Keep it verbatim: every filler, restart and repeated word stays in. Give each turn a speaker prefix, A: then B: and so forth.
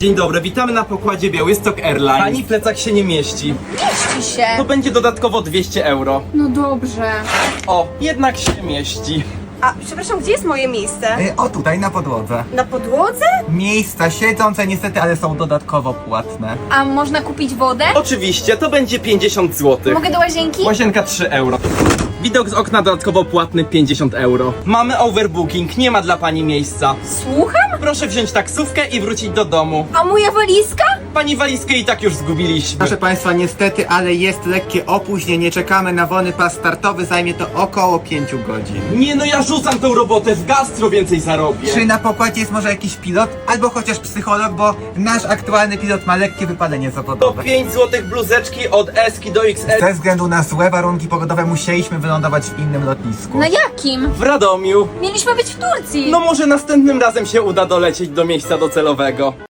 A: Dzień dobry, witamy na pokładzie Białystok Airlines. Pani plecak się nie mieści.
B: Mieści się.
A: To będzie dodatkowo dwieście euro.
B: No dobrze.
A: O, jednak się mieści.
C: A, przepraszam, gdzie jest moje miejsce?
D: Y, O tutaj, na podłodze.
C: Na podłodze?
D: Miejsca siedzące niestety, ale są dodatkowo płatne.
B: A można kupić wodę?
A: Oczywiście, to będzie pięćdziesiąt złotych.
B: Mogę do łazienki?
A: Łazienka trzy euro. Widok z okna dodatkowo płatny pięćdziesiąt euro. Mamy overbooking, nie ma dla pani miejsca.
B: Słucham?
A: Proszę wziąć taksówkę i wrócić do domu.
B: A moja walizka?
A: Pani walizkę i tak już zgubiliśmy.
D: Proszę Państwa, niestety, ale jest lekkie opóźnienie. Czekamy na wolny pas startowy, zajmie to około pięć godzin.
A: Nie no, ja rzucam tą robotę, w gastro więcej zarobię.
D: Czy na pokładzie jest może jakiś pilot, albo chociaż psycholog, bo nasz aktualny pilot ma lekkie wypalenie
A: To
D: zawodowe.
A: pięć złotych bluzeczki od S-ki do X L
D: Ze względu na złe warunki pogodowe musieliśmy wylądować w innym lotnisku.
B: Na jakim?
A: w Radomiu.
B: Mieliśmy być w Turcji.
A: No może następnym razem się uda dolecieć do miejsca docelowego.